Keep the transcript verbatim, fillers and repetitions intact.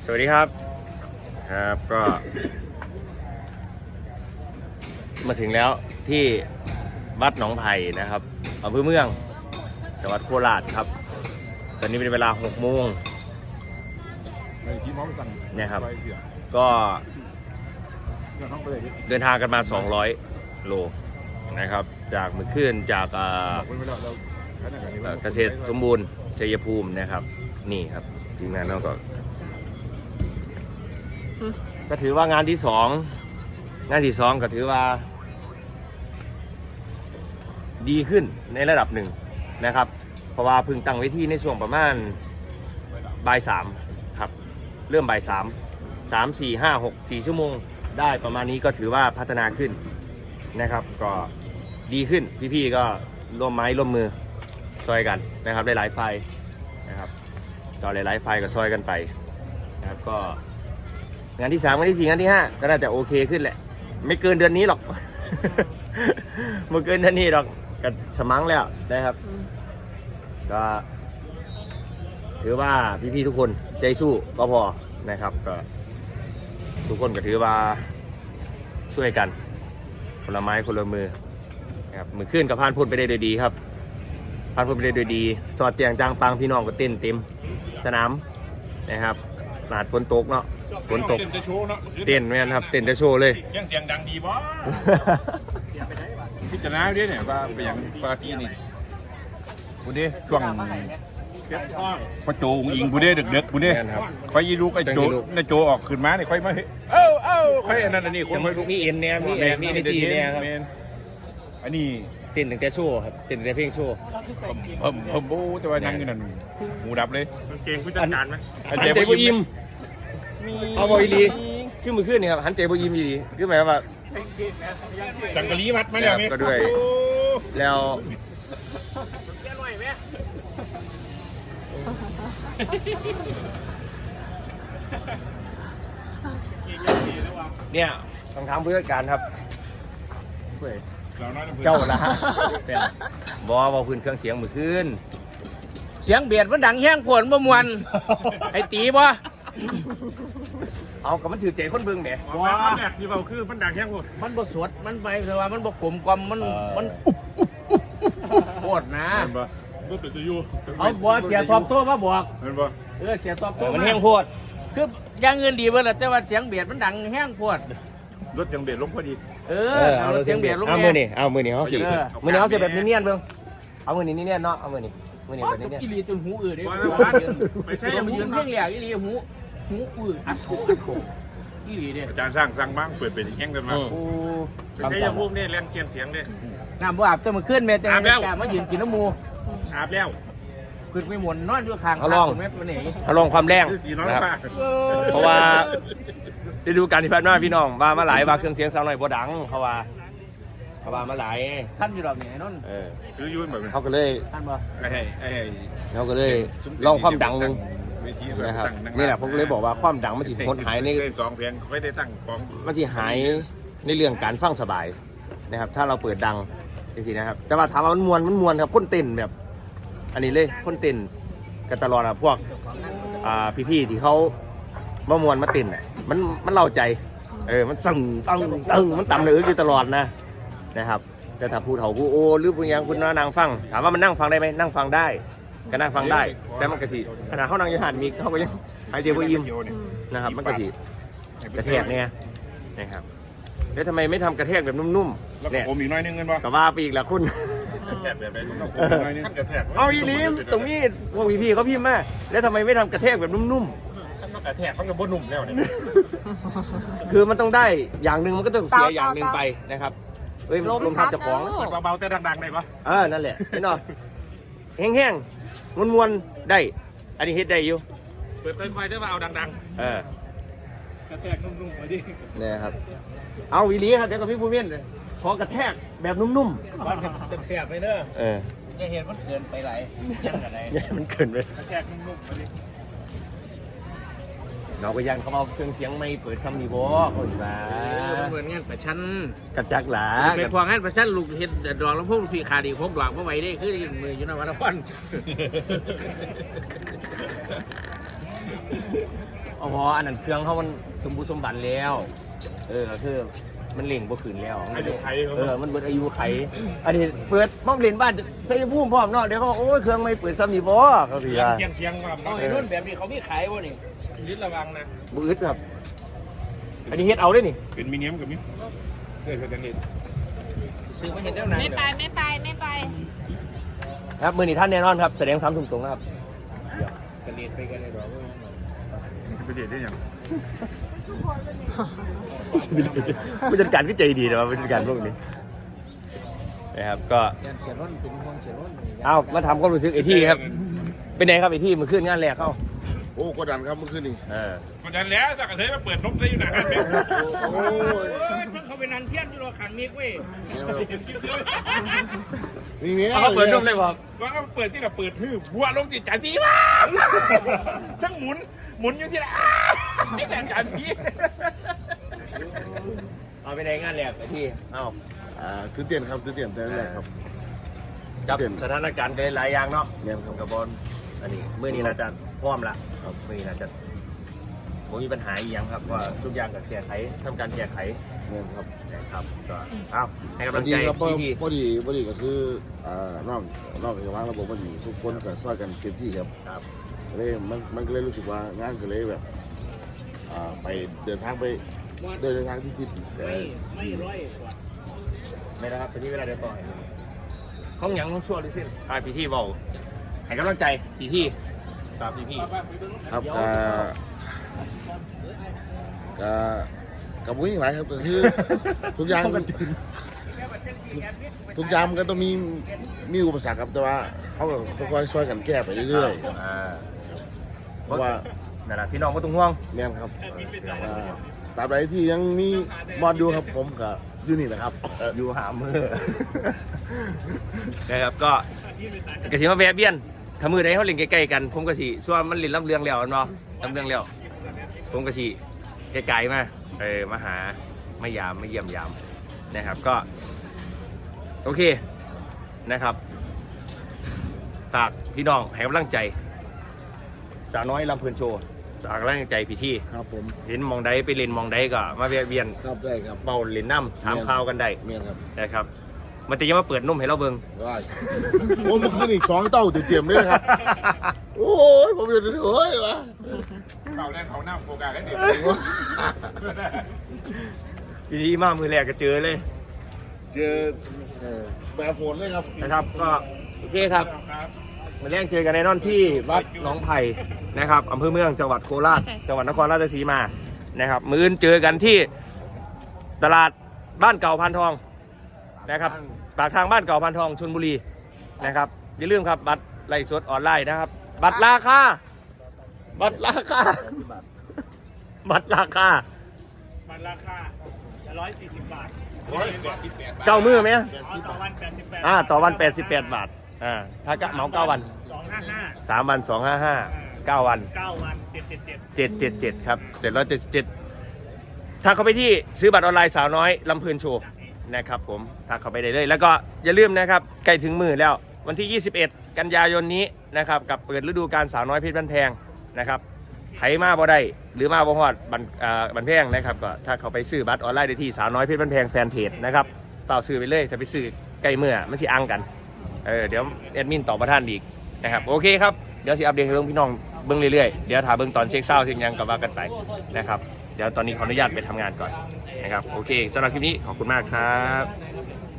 สวัสดีครับครับก็มาถึงแล้วที่วัดหนองไผ่นะครับอำเภอเมืองจังหวัดโคราชครับตอนนี้เป็นเวลาหกโมงเนี่ยครับก็เดินทางกันมาสองร้อยโลนะครับจากมือขึ้นจากเกษตรสมบูรณ์ชัยภูมินะครับนี่ครับทีมงานเราก็ก็ถือว่างานที่สองงานที่สองก็ถือว่าดีขึ้นในระดับหนึ่งนะครับเพราะว่าพึ่งตั้งเวทีในช่วงประมาณบ่ายสามครับเริ่มบ่ายสามสามสี่ห้าหกสี่ชั่วโมงได้ประมาณนี้ก็ถือว่าพัฒนาขึ้นนะครับก็ดีขึ้นพี่ๆก็ร่วมไม้ร่วมมือซอยกันนะครับหลายๆไฟนะครับต่อหลายๆไฟก็ซอยกันไปนะครับก็งานที่สามงานที่สี่งานที่ห้าก็น่าจะโอเคขึ้นแหละไม่เกินเดือนนี้หรอก ไม่เกินเดือนนี้หรอกก็สมังแล้วนะครับก็ถือว่าพี่ๆทุกคนใจสู้ก็พอนะครับก็ทุกคนก็ถือว่าช่วยกันคนละไม้คนละมือนะครับมือขึ้นกับพานพุ่นไปได้โดยดีครับพานพุ่นไปได้โดยดีสอดแจงจางปังพี่น้องก็เต้นเต็มสนามนะครับหนาดฝนตกเนาะฝนตกเต้นแม่นครับเต้นจะโชว์เลยเสียงเสียงดังดีบ่พิจารณาด้วยเนี่ยว่าเป็นอย่างปาร์ตี้นี่บุเด้ช่วงพอโจงอิงบุเด้เด็กๆบุเด้คอยยีลูกไอ้โจไอ้โจออกขึ้นมาเนี่ยค่อยมาเอ้าเอ้าค่อยอันนั้นอันนี้คนมีเอ็นเนี่ยมีเอ็นมีเอจีเนี่ยครับอันนี้เต้นถึงแต่โชว์ครับเต้นถึงแต่เพลงโชว์ผมผมโอ้แต่ว่านั่งอยู่นั่นหมูดับเลยเก่งผู้จัดการไหมหันใจบุยิมเอาบอยลีขึ้นมือขึ้นนี่ครับหันใจบุยิมดีขึ้นหมายว่าสังกะลีวัดมาแล้วก็ด้วยแล้วเนี่ยต้องทำผู้จัดการครับเจ้าละฮะบอบอพื้นเครื่องเสียงมือขึ้นเสียงเบียดมันดังแห้งผลบ่มวนไอ้ตีบ่เอากับมันถือใจคนเบิ่งแหมว้าแดดที่เบาคือมันดังแห้งหมดมันบ่สวดมันไปแต่ว่ามันบ่กลมกลมมันมันอุ๊บอุ๊บอุ๊บอุ๊บโคตรนะบ่บ่เป็นตัวอยู่เอาบ่เสียทอบโทษมาบอกเห็นบ่เออเสียทอบโทษมันแห้งโพดคืออย่างเงินดีเบิ่ล่ะแต่ว่าเสียงเบียดมันดังแห้งโพดรถเสียงเบียดลงพอดีเออเอาเสียงเบียดลงเอามือนี่เอามือนี่เฮาสิมือนี่เฮาสิแบบเนียนๆเบิ่งเอามือนี่เนียนๆเนาะเอามือนี่มือนี่แบบเนียนๆอีหลีจนหูอื้อเด้ไม่ใช่หูยืนเพียงแหลกอีหลีหูหูอื้ออัดโถอัดโถอีหลีเด้อาจารย์สร้างสร้างบ้างเปิดเป็นแห้งกันมาโอ้ไม่ใช่ยังพูดเนี่ยเล่นเกียนเสียงเนี่ยน้ำบ่อาบจะมาขึ้นแม่จังแต่มายืนกินน้ำมูอาบแล้วขึ้นไม่หมุนนอนอยู่ข้างเขาลองเขาลองความแรงนะครับเพราะว่าได้ดูการที่ผ่านมาพี่น้องว่ามาหลายว่าเครื่องเสียงสาวน้อยบ่ดังเขาว่าเขาว่ามาหลายท่านอยู่ดอกนี่นั่นเออซื้อยุ่นแบบเขาก็เลยท่านบ่ไอ้ไอ้เขาก็เลยลองความดังนึงนะครับนี่แหละผมเลยบอกว่าความดังมันสิหดหายในสองเพลงค่อยได้ตั้งกองมันสิหายในเรื่องการฟังสบายนะครับถ้าเราเปิดดังจริงๆนะครับแต่ว่าถามว่ามันมวนมันมวนครับคนเต้นแบบอันนี้เลยคนเต้นกันตลอดอะพวกพี่ๆที่เขามามวนมาเต้นอ่ะมันมันเล่าใจเออมันสั่งตึงตึงมันต่ำเลยอยู่ตลอดนะนะครับแต่ถ้าผู้เฒ่าผู้โอหรือผู้ยังคุณนั่งฟังถามว่ามันนั่งฟังได้ไหมนั่งฟังได้ก็นั่งฟังได้แต่มันกระสีขณะเขานั่งอยู่หันมีเขาก็ยังหายใจบ่อิ่มนะครับมันกระสีกระแทกเนี่ยนะครับแล้วทำไมไม่ทำกระแทกแบบนุ่มๆเนี่ยผมอีกน้อยนึงเงินวะกับว่าไปอีกละคุณเอาอีลิมตรงนี้พวกพี่ๆเขาพิมพ์มาแล้วทำไมไม่ทำกระแทกแบบนุ่มๆฉันต้องกระแทกเขาจะบ่นุ่มแล้วเนี่ยคือมันต้องได้อย่างหนึ่งมันก็ต้องเสียอย่างหนึ่งไปนะครับเฮ้ยลมพัดจะของเบาๆแต่ดังๆได้ปะเออนั่นแหละพี่น้องแห้งๆมวนๆได้อันนี้เฮ็ดได้อยู่เปิดค่อยๆได้มาเอาดังๆเออกระแทกนุ่มๆมาดิเนี่ยครับเอาวีลีครับเดี๋ยวกับพี่ผู้เมียนขอกระแทกแบบนุ่มๆมันจะเสียบไปเด้อเอออย่าเห็นมันเกินไปไหลยังกันไหนมันเกินไปกระแทกนุ่มๆมาดิเราไปยังเขาเอาเครื่องเสียงไม่เปิดซัมนีโบเขาอยู่ว่าเหมือนงานประชันกระจักหลาเป็นพวงงานประชันลูกเห็ดดอกแล้วพวกพี่ขาดีพกดอกเมื่อไหร่ได้คือมืออยู่ในวันละวันอ๋ออันนั้นเครื่องเขามันสมบูรณ์สมบัติแล้ว เออคือมันเล่งบ่ขืนแล้วอายุไขเออมันเบิดอายุไขอันนี้เปิดมองเล่นบ้านใส่พุ่มพร้อมเนาะเดี๋ยวเขาโอ้ยเครื่องไม่เปิดซ้ำนี่บ่เขาพี่ว่าเสียงเสียงว่าเอาไอ้นุ่นแบบนี้เขามีขายบ่นี่ยึดระวังนะบ่อึดครับ อันนี้เฮ็ดเอาได้นี่เป็นมิเนียมกับมิเคยเคยกันเห็นซื้อมาเห็นแล้วนะไม่ไปไม่ไปไม่ไปครับมื้อนี้ท่านแน่นอนครับแสดงสามทุ่มตรงนะครับกระเรียนไปกันเลยดอกไปเดทได้ยังผู้จัดการก็ใจดีนะผู้จัดการพวกนี้นะครับก็ยันเสียร้นเป็นห่วงเสียร้นเอามาทำความรู้สึกไอ้ที่ครับ เป็นไงครับไอ้ที่มันขึ้นงานแรกเข้าโอ้กดดันครับเมื่อคืนนี้เออคนนั้นแล้วสักกระเทยมาเปิดนมซะอยู่ไหนโอ้ยเฮ้ยทั้งเขาเป็นนันเทียนอยู่รอขังมิกเว้ยนี่เนี่ยเขาเปิดนุ่มเลยบอกว่าก็เปิดที่เราเปิดทื่อบัวลงจิตใจดีมาก ทั้งหมุนหมุนอยู่ที่ไหนไอ้แดงการพี่เอาไปในงานแรกไอ้ที่เอาอ่าตื่นเต้นครับตื่นเต้นแต่แรกครับจับเปลี่ยนสถานการณ์กันหลายอย่างเนาะแม่นครับกับบอลอันนี้เมื่อนี้เราจะพร้อมละครับเมื่อนี้เราจะผมมีปัญหาอีกอย่างครับว่าทุกอย่างก็แก้ไขทำการแก้ไขเงี้ยครับนะครับก็เอาให้กำพลัอง ดีใจครับพอพี่ที่พอดีพอดีก็คืออ่านอกนอกจากวางระบบพอดีทุกคนก็ช่วยกันเต็มที่ครับครับเลยมันมันก็เลยรู้สึกว่างานก็เลยแบบอ่าไปเดินทางไปเดินทางที่ทิศแต่ไม่ร้อยไม่นะครับเป็นที่เวลาเดินต่อห้องหยังต้องชั่วดิสิอ่าพี่ที่บอกให้กำลังใจพี่ที่ครับพี่พี่ครับก็ก็กับวิ่งหลายครับก็คือ ทุกอย่างทุกอย่างมันก็ต้องมีมีอุปสรรคครับแต่ว่าเขาก็ค่อยๆช่วยกันแก้ไปเรื่อยๆครับอ่าเพราะว่านั่นแหละพี่น้องก็ต้องห่วงแม่นครับอ่าตราบใดที่ยังมีบอลอยู่ครับผมกับอยู่นี่แหละครับเอ่ออยู่หามือ นะครับก็กระสีมาแวะเบี้ยนถ้ามือใดเขาเล่นใกล้ๆกัน ผมกระสีส่วนมันเล่นลำเลียงแล้วเนาะลำเลียงแล้วผมกระสีไกลๆมาเออมาหาไม่ยามไม่เยี่ยมยามนะครับก็โอเคนะครับฝากพี่น้องให้กำลังใจสาวน้อยลำเพลินโชว์ฝากกำลังใจพี่ที่ครับผมเห็นมองใดไปเล่นมองใดก็มาแวะเวียนครับได้ครับเบาเล่นน้ำถามข่าวกันได้เมียนครับนะครับมันจะยังมาเปิดนุ่มให้เราเบิ่งได้โอ้เมื่อคืนอีกสองเต้าเตรียมๆเลยนะครับโอ้ยผมอยู่โอ้ยวะเขาแรกเขาหน้าโฟกัสกันดิทีนี้มามือแรกก็เจอเลยเจอแบบโหดเลยครับนะครับ ก็โอเคครับมือแรกเจอกันในนอนที่วัดหนองไผ่นะครับอำเภอเมืองจังหวัดโคราชจังหวัดนครราชสีมานะครับมืออื่นเจอกันที่ตลาดบ้านเก่าพันทองนะครับปากทางบ้านเก่าพันทองชลบุรีนะครับอย่าลืมครับบัตรไล่สดออนไลน์นะครับ บัตรราคาบัตรราคาบัตรราคามันราคาร้อยสี่สิบบาทเก้ามือไหมต่อวันแปดสิบแปดอ่าต่อวันแปดสิบแปดบาทอ่าถ้ากะเหมาเก้าวันสองห้าห้าสามวันสองห้าห้าเก้าวันเก้าวันเจ็ดเจ็ดเจ็ดเจ็ดเจ็ดเจ็ดครับเจ็ดร้อยเจ็ดสิบเจ็ดถ้าเข้าไปที่ซื้อบัตรออนไลน์สาวน้อยลำเพลินโชว์นะครับผมถ้าเข้าไปได้เลย แล้วก็อย่าลืมนะครับใกล้ถึงมือแล้ววันที่ยี่สิบเอ็ดกันยายนนี้นะครับกับเปิดฤดูกาลสาวน้อยเพชรบ้านแพงนะครับไผมาบ่ได้หรือมาบ่ฮอดบันอ่าบันแพงนะครับก็ถ้าเขาไปซื้อบัตรออนไลน์ได้ที่สาวน้อยเพชรบ้านแพงแฟนเพจนะครับเปล่าซื้อไปเลยถ้าไปซื้อใกล้มือไม่ใช่อังกันเออเดี๋ยวแอดมินตอบประท่านอีกนะครับโอเคครับเดี๋ยวสิอัปเดตให้เบิ่งพี่น้องเบิ่งเรื่อยๆเดี๋ยวถามเบิ่งตอนเช็คเศร้าเช็คยังกับว่ากันไปนะครับเดี๋ยวตอนนี้ขออนุญาตไปทำงานก่อนนะครับโอเคสำหรับคลิปนี้ขอบคุณมากครับ